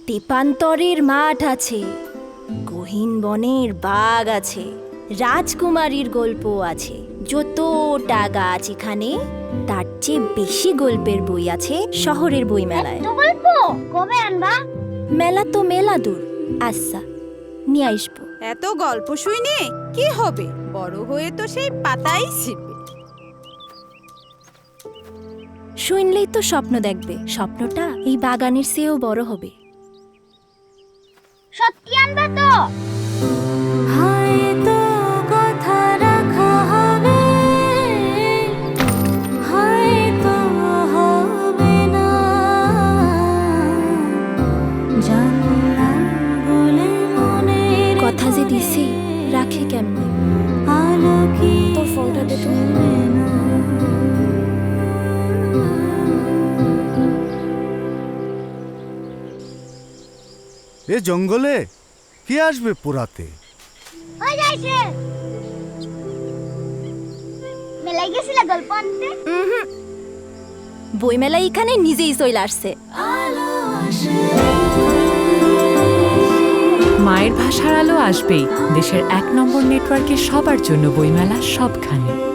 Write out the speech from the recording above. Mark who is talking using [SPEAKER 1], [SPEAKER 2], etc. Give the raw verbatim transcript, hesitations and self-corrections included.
[SPEAKER 1] তেপান্তরের মাঠ আছে, গহীন বনের বাঘ আছে, রাজকুমারীর গল্প আছে। যতটা গাছ এখানে, তার চেয়ে বেশি গল্পের বই আছে শহরের বই মেলায়।
[SPEAKER 2] গল্প কবে আনবা?
[SPEAKER 1] মেলা তো মেলা দূর। আচ্ছা, নিয়ে আসবো।
[SPEAKER 3] এত গল্প শুইনে কি হবে? বড় হয়ে তো সেই পাতাই ছিঁড়বে।
[SPEAKER 1] শুনলেই তো স্বপ্ন দেখবে। স্বপ্নটা এই বাগানের চেয়েও বড় হবে।
[SPEAKER 2] সত্যি আনবা তো?
[SPEAKER 1] হয়তো কথা রাখা হবে, হয়তো হবে না। জানলাম বলে মনের কথা যে দিছি, রাখে কেমনে? আলোকি তোর ফোনটা দে তো।
[SPEAKER 4] এ জঙ্গলে কে আসবে পোড়াতে?
[SPEAKER 2] হয়ে যাইছে। মেলায় গেছিলা গল্প আনতে?
[SPEAKER 1] বইমেলা এখানে নিজেই চলে আসছে।
[SPEAKER 5] মায়ের ভাষার আলো আসবেই দেশের এক নম্বর নেটওয়ার্কে, সবার জন্য বইমেলা সবখানে।